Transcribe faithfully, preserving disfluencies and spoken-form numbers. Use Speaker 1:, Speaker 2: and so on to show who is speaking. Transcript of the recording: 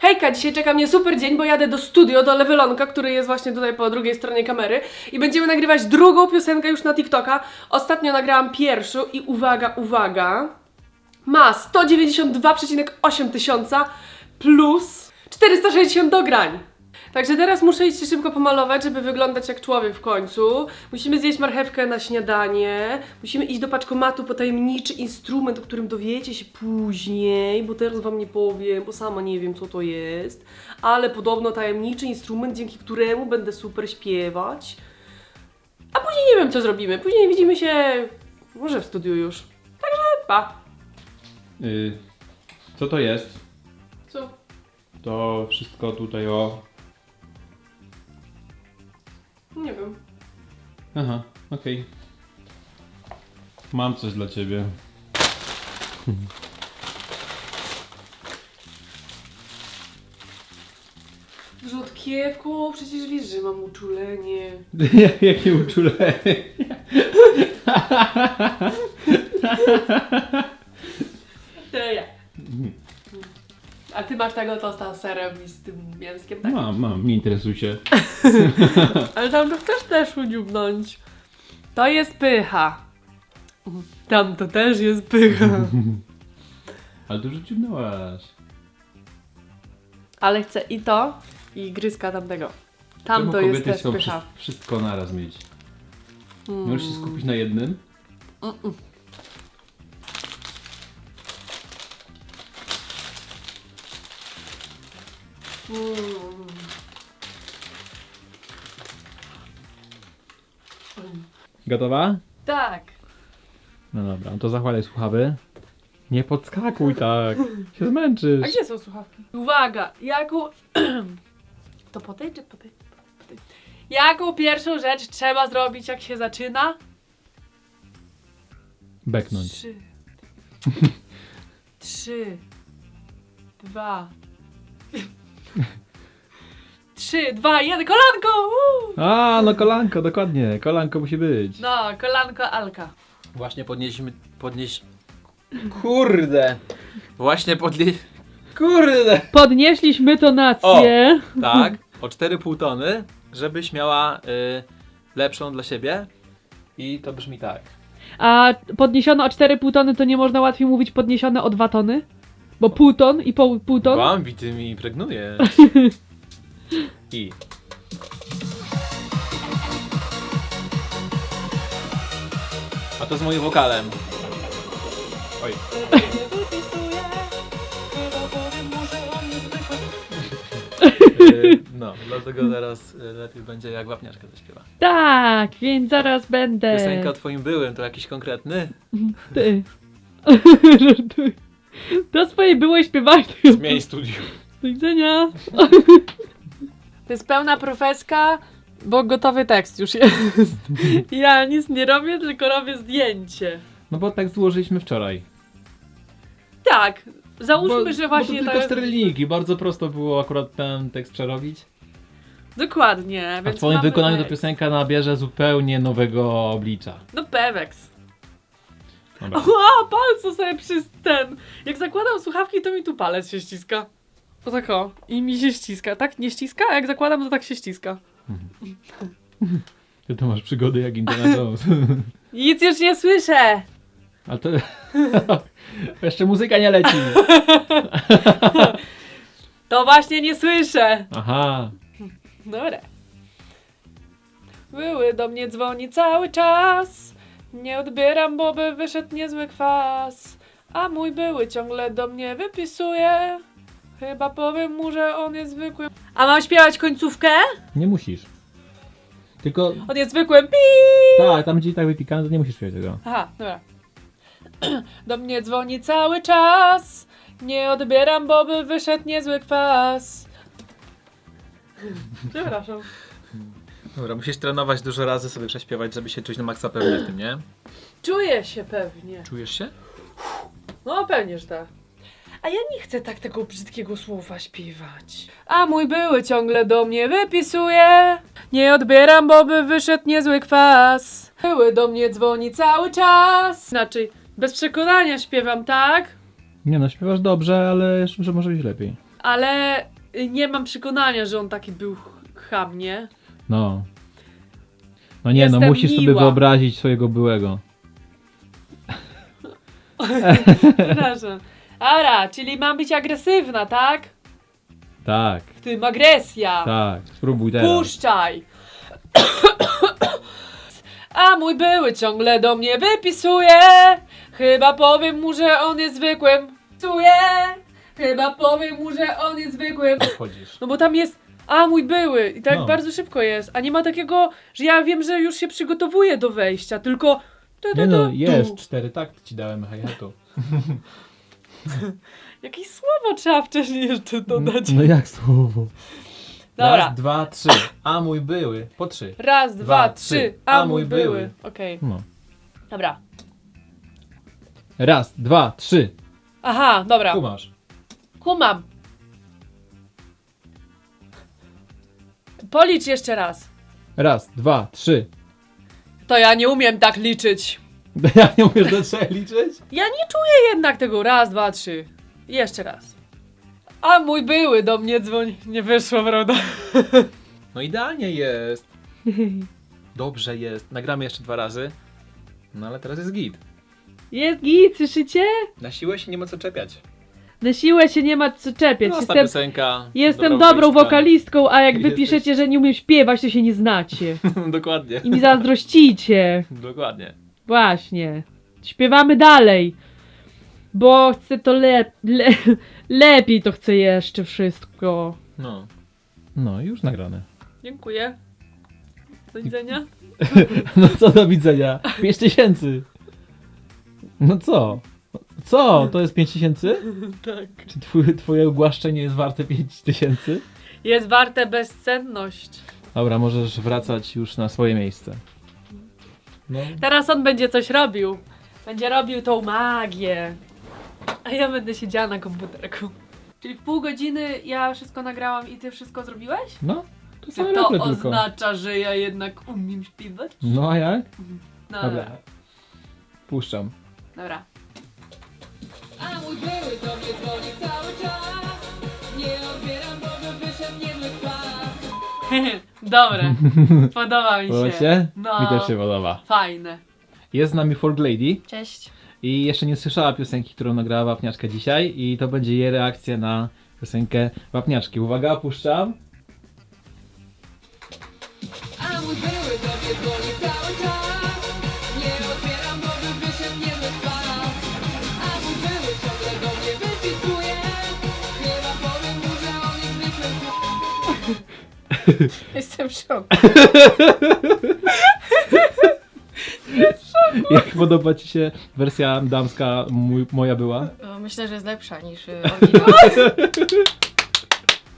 Speaker 1: Hejka, dzisiaj czeka mnie super dzień, bo jadę do studio, do Levelonka, który jest właśnie tutaj po drugiej stronie kamery i będziemy nagrywać drugą piosenkę już na TikToka. Ostatnio nagrałam pierwszą i uwaga, uwaga, ma sto dziewięćdziesiąt dwa przecinek osiem tysiąca plus czterysta sześćdziesiąt dograń. Także teraz muszę iść się szybko pomalować, żeby wyglądać jak człowiek w końcu. Musimy zjeść marchewkę na śniadanie. Musimy iść do paczkomatu po tajemniczy instrument, o którym dowiecie się później, bo teraz wam nie powiem, bo sama nie wiem co to jest. Ale podobno tajemniczy instrument, dzięki któremu będę super śpiewać. A później nie wiem co zrobimy. Później widzimy się może w studiu już. Także pa!
Speaker 2: Yy, co to jest?
Speaker 1: Co?
Speaker 2: To wszystko tutaj o...
Speaker 1: Nie wiem.
Speaker 2: Aha, okej. Mam coś dla ciebie.
Speaker 1: Rzutkiewku, przecież wiesz, że mam uczulenie.
Speaker 2: Jakie uczulenie.
Speaker 1: To ja. A ty masz tego tosta z serem i z tym mięskiem, tak?
Speaker 2: Mam, mam, nie interesuj się.
Speaker 1: Ale tam to chcesz też udziubnąć. To jest pycha. Tam to też jest pycha.
Speaker 2: Ale dużo dziubnęłaś.
Speaker 1: Ale chcę i to, i gryzka tamtego. Tam
Speaker 2: Czemu
Speaker 1: to jest
Speaker 2: kobiety
Speaker 1: też
Speaker 2: chcą
Speaker 1: pycha.
Speaker 2: wszy- wszystko naraz mieć?
Speaker 1: Mm.
Speaker 2: Możesz się skupić na jednym?
Speaker 1: Mm-mm. Mm.
Speaker 2: Gotowa?
Speaker 1: Tak.
Speaker 2: No dobra, no to zakładaj słuchawy. Nie podskakuj tak, się zmęczysz.
Speaker 1: A gdzie są słuchawki? Uwaga, jaką... To po tej czy po tej? Po tej. Jaką pierwszą rzecz trzeba zrobić, jak się zaczyna?
Speaker 2: Beknąć.
Speaker 1: Trzy. Trzy. Dwa. Trzy, dwa, jeden, kolanko! Woo!
Speaker 2: A, no kolanko, dokładnie, kolanko musi być.
Speaker 1: No, kolanko Alka.
Speaker 3: Właśnie podnieśliśmy, podnieś... Kurde! Właśnie podnie... Kurde!
Speaker 1: Podnieśliśmy tonację.
Speaker 3: Tak, o cztery i pół tony, żebyś miała y, lepszą dla siebie. I to brzmi tak.
Speaker 4: A podniesione o cztery i pół tony to nie można łatwiej mówić podniesione o dwa tony? Bo pół ton i pół, pół ton?
Speaker 3: Bambi, ty mi impregnujesz. I... A to z moim wokalem. Oj. Y, No, dlatego teraz y, lepiej będzie jak wapniaczka zaśpiewa.
Speaker 4: Tak, więc zaraz będę.
Speaker 3: Piosenka o twoim byłym to jakiś konkretny?
Speaker 4: Ty. Żartuję. To swoje było śpiewać.
Speaker 3: Zmień studium.
Speaker 4: Do widzenia.
Speaker 1: To jest pełna profeska, bo gotowy tekst już jest. Ja nic nie robię, tylko robię zdjęcie.
Speaker 2: No bo tak złożyliśmy wczoraj.
Speaker 1: Tak, załóżmy,
Speaker 2: bo,
Speaker 1: że właśnie
Speaker 2: bo to
Speaker 1: to
Speaker 2: tylko
Speaker 1: jest...
Speaker 2: cztery linijki, bardzo prosto było akurat ten tekst przerobić.
Speaker 1: Dokładnie,
Speaker 2: A
Speaker 1: więc
Speaker 2: w twoim
Speaker 1: mamy
Speaker 2: wykonaniu to
Speaker 1: tekst.
Speaker 2: piosenka nabierze zupełnie nowego oblicza.
Speaker 1: No peweks.
Speaker 2: Dobra.
Speaker 1: Ła, palce sobie przez ten. Jak zakładam słuchawki, to mi tu palec się ściska. O tak o. I mi się ściska, tak? Nie ściska? A jak zakładam, to tak się ściska.
Speaker 2: Ty to masz przygody jak Indiana Jones.
Speaker 1: Nic już nie słyszę.
Speaker 2: Ale to... Jeszcze muzyka nie leci.
Speaker 1: To właśnie nie słyszę.
Speaker 2: Aha.
Speaker 1: Dobra. Były do mnie dzwoni cały czas. Nie odbieram, bo by wyszedł niezły kwas. A mój były ciągle do mnie wypisuje. Chyba powiem mu, że on jest zwykłym. A mam śpiewać końcówkę?
Speaker 2: Nie musisz. Tylko...
Speaker 1: On jest zwykłym pi.
Speaker 2: Tak, tam gdzie i tak wypikane, to nie musisz śpiewać tego.
Speaker 1: Aha, dobra. Do mnie dzwoni cały czas. Nie odbieram, bo by wyszedł niezły kwas. Przepraszam.
Speaker 3: Dobra, musisz trenować dużo razy sobie prześpiewać, żeby się czuć na maksa pewnie w tym, nie?
Speaker 1: Czuję się pewnie.
Speaker 3: Czujesz się?
Speaker 1: No pewnie, że tak. A ja nie chcę tak tego brzydkiego słowa śpiewać. A mój były ciągle do mnie wypisuje. Nie odbieram, bo by wyszedł niezły kwas. Były do mnie dzwoni cały czas. Znaczy, bez przekonania śpiewam, tak?
Speaker 2: Nie no, śpiewasz dobrze, ale jeszcze może być lepiej.
Speaker 4: ale y, nie mam przekonania, że on taki był ch- cham, nie?
Speaker 2: No. No nie, no
Speaker 4: Jestem
Speaker 2: musisz sobie
Speaker 4: miła.
Speaker 2: wyobrazić swojego byłego.
Speaker 4: Przepraszam. Ara, czyli mam być agresywna, tak?
Speaker 2: Tak,
Speaker 4: W tym agresja.
Speaker 2: tak. Spróbuj teraz.
Speaker 4: Puszczaj! A mój były ciągle do mnie wypisuje. Chyba powiem mu, że on jest zwykłym. Psuje. Chyba powiem mu, że on jest zwykłym.
Speaker 3: Wchodzisz.
Speaker 4: No bo tam jest, a mój były. I tak
Speaker 2: No.
Speaker 4: bardzo szybko jest. A nie ma takiego, że ja wiem, że już się przygotowuję do wejścia, tylko... tu, tu,
Speaker 2: Nie no,
Speaker 4: tu,
Speaker 2: jest.
Speaker 4: tu.
Speaker 2: Cztery takty ci dałem hi-hatu.
Speaker 4: Jakieś słowo trzeba wcześniej jeszcze dodać.
Speaker 2: No jak słowo?
Speaker 4: Dobra.
Speaker 3: Raz, dwa, trzy. A mój były. Po trzy.
Speaker 4: Raz, dwa,
Speaker 3: Dwa,
Speaker 4: trzy.
Speaker 3: trzy.
Speaker 4: A
Speaker 3: A
Speaker 4: mój
Speaker 3: mój
Speaker 4: były.
Speaker 3: były.
Speaker 4: Okej.
Speaker 2: No.
Speaker 4: Dobra.
Speaker 2: Raz, dwa, trzy.
Speaker 4: Aha, dobra.
Speaker 3: Kumasz.
Speaker 4: Kumam. Policz jeszcze raz.
Speaker 2: Raz, dwa, trzy.
Speaker 4: To ja nie umiem tak liczyć.
Speaker 2: Ja nie umiesz do trzech liczyć?
Speaker 4: Ja nie czuję jednak tego. Raz, dwa, trzy. Jeszcze raz. A mój były do mnie dzwoni. Nie wyszło, prawda?
Speaker 3: No idealnie jest. Dobrze jest. Nagramy jeszcze dwa razy. No ale teraz jest git.
Speaker 4: Jest git, słyszycie?
Speaker 3: Na siłę się nie ma co czepiać.
Speaker 4: Na siłę się nie ma co czepiać.
Speaker 3: Prosta
Speaker 4: Jestem,
Speaker 3: piosenka.
Speaker 4: jestem
Speaker 3: dobra
Speaker 4: dobrą
Speaker 3: wokalistka.
Speaker 4: wokalistką, a jak wy
Speaker 3: Jesteś.
Speaker 4: piszecie, że nie umiem śpiewać, to się nie znacie.
Speaker 3: Dokładnie.
Speaker 4: I mi zazdrościcie.
Speaker 3: Dokładnie.
Speaker 4: Właśnie. Śpiewamy dalej. Bo chcę to le- le- lepiej to chcę jeszcze wszystko.
Speaker 3: No.
Speaker 2: No, już nagrane.
Speaker 4: Dziękuję. Do widzenia.
Speaker 2: No co do widzenia? Pięć tysięcy. No co? Co? To jest pięć tysięcy?
Speaker 4: Tak.
Speaker 2: Czy twój, twoje ogłaszczenie jest warte pięć tysięcy?
Speaker 4: Jest warte bezcenność.
Speaker 2: Dobra, możesz wracać już na swoje miejsce. No.
Speaker 4: Teraz on będzie coś robił. Będzie robił tą magię. A ja będę siedziała na komputerku. Czyli w pół godziny ja wszystko nagrałam i ty wszystko zrobiłeś?
Speaker 2: No, to
Speaker 4: Czy
Speaker 2: same
Speaker 4: to
Speaker 2: leple tylko.
Speaker 4: oznacza, że ja jednak umiem śpiewać?
Speaker 2: No a jak?
Speaker 4: No
Speaker 2: Dobra.
Speaker 4: dobra.
Speaker 2: Puszczam.
Speaker 4: Dobra.
Speaker 5: A mój były do mnie dzwoni cały czas. Nie odbieram, bo by wyszedł niezły kwas.
Speaker 4: Dobre. Podoba mi się.
Speaker 2: Podoba się?
Speaker 4: No.
Speaker 2: Mi też się podoba.
Speaker 4: Fajne.
Speaker 2: Jest z nami Folk Lady
Speaker 4: Cześć.
Speaker 2: i jeszcze nie słyszała piosenki, którą nagrała Wapniaczka dzisiaj i to będzie jej reakcja na piosenkę Wapniaczki. Uwaga, puszczam.
Speaker 5: A mój były do mnie dzwoni cały czas. Nie odbieram, bo by wyszedł niezły kwas. A mój były ciągle do mnie wypisuje. Chyba powiem mu, że on jest zwykłym
Speaker 1: Jestem w szoku.
Speaker 2: Jak podoba ci się wersja damska mój, moja była?
Speaker 6: Myślę, że jest lepsza niż y, oryginał.